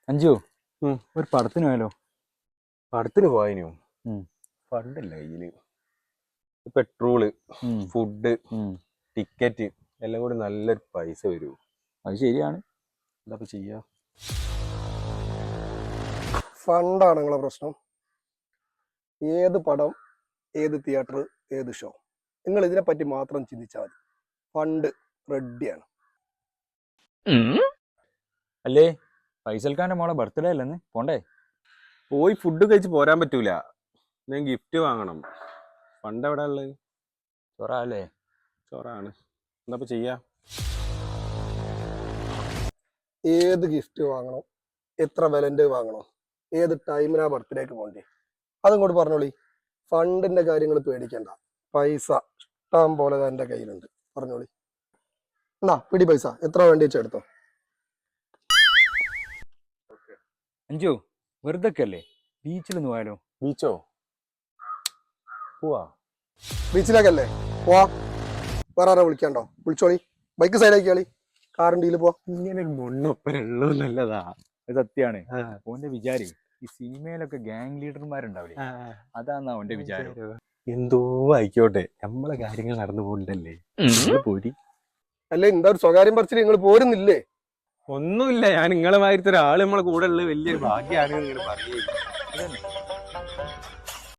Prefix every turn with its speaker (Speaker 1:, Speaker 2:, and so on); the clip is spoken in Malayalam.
Speaker 1: അഞ്ചു ഒരു പടത്തിന് പോയാലോ?
Speaker 2: പടത്തിന് പോയനോ?
Speaker 1: ഉം.
Speaker 2: ഫണ്ടല്ല കയ്യില്. പെട്രോള്, ഫുഡ്, ടിക്കറ്റ് എല്ലാം കൂടി നല്ലൊരു പൈസ വരും.
Speaker 1: അത് ശരിയാണ്.
Speaker 2: എന്താ ചെയ്യാ?
Speaker 3: ഫണ്ടാണ് നിങ്ങളെ പ്രശ്നം. ഏത് പടം, ഏത് തിയേറ്റർ, ഏത് ഷോ, നിങ്ങൾ ഇതിനെപ്പറ്റി മാത്രം ചിന്തിച്ചാൽ മതി. ഫണ്ട് റെഡിയാണ്.
Speaker 1: അല്ലേ ഫൈസൽഖാന്റെ മോളെ ബർത്ത്ഡേ അല്ലെന്ന് പോണ്ടേ?
Speaker 2: പോയി ഫുഡ് കഴിച്ച് പോരാൻ പറ്റൂല. ഞാൻ ഗിഫ്റ്റ് വാങ്ങണം. ഫണ്ട് എവിടെ ഉള്ളത്?
Speaker 1: ചൊറ അല്ലേ?
Speaker 2: ചോറാണ്. എന്താ ചെയ്യാ?
Speaker 3: ഏത് ഗിഫ്റ്റ് വാങ്ങണം, എത്ര വിലൻ്റെ വാങ്ങണം, ഏത് ടൈമിനാ ബർത്ത്ഡേക്ക് പോകണ്ടേ, അതും കൂടി പറഞ്ഞോളി. ഫണ്ടിന്റെ കാര്യങ്ങൾ പേടിക്കണ്ട. പൈസ ഇഷ്ടം പോലെ എൻ്റെ കയ്യിലുണ്ട്. പറഞ്ഞോളി. എന്നാ പിടി പൈസ എത്ര വേണ്ടി വെച്ചെടുത്തോ.
Speaker 1: അഞ്ചു വെറുതെ അല്ലേ, ബീച്ചിലൊന്ന് പോയാലോ?
Speaker 2: ബീച്ചോ? പോവാ.
Speaker 3: ബീച്ചിലേക്കല്ലേ? പോവാ. വേറെ ആരാ വിളിക്കാണ്ടോ? വിളിച്ചോളി. ബൈക്ക് സൈഡാക്കിയാളി. കാറിൻ്റെ ഇതിൽ പോവാ.
Speaker 2: ഇങ്ങനെ ഒരു മണ്ണൊപ്പനുള്ളൂ നല്ലതാ.
Speaker 1: അത് സത്യാണ്. ഓന്റെ വിചാരി ഈ സിനിമയിലൊക്കെ ഗാങ് ലീഡർമാരുണ്ടാവില്ലേ, അതാന്നാ ഓന്റെ വിചാരം.
Speaker 2: എന്തോ ആയിക്കോട്ടെ, നമ്മളെ കാര്യങ്ങൾ നടന്നു പോകണ്ടല്ലേ. പോരി.
Speaker 3: അല്ലേ എന്താ ഒരു സ്വകാര്യം പറിച്ചിട്ട് നിങ്ങൾ പോരുന്നില്ലേ?
Speaker 2: ഒന്നുമില്ല, ഞാൻ നിങ്ങളെ മാതിരത്തെ ഒരാള് നമ്മളെ കൂടെ ഉള്ളത് വലിയൊരു ഭാഗ്യമാണ് ഇങ്ങനെ പറയുന്നത്.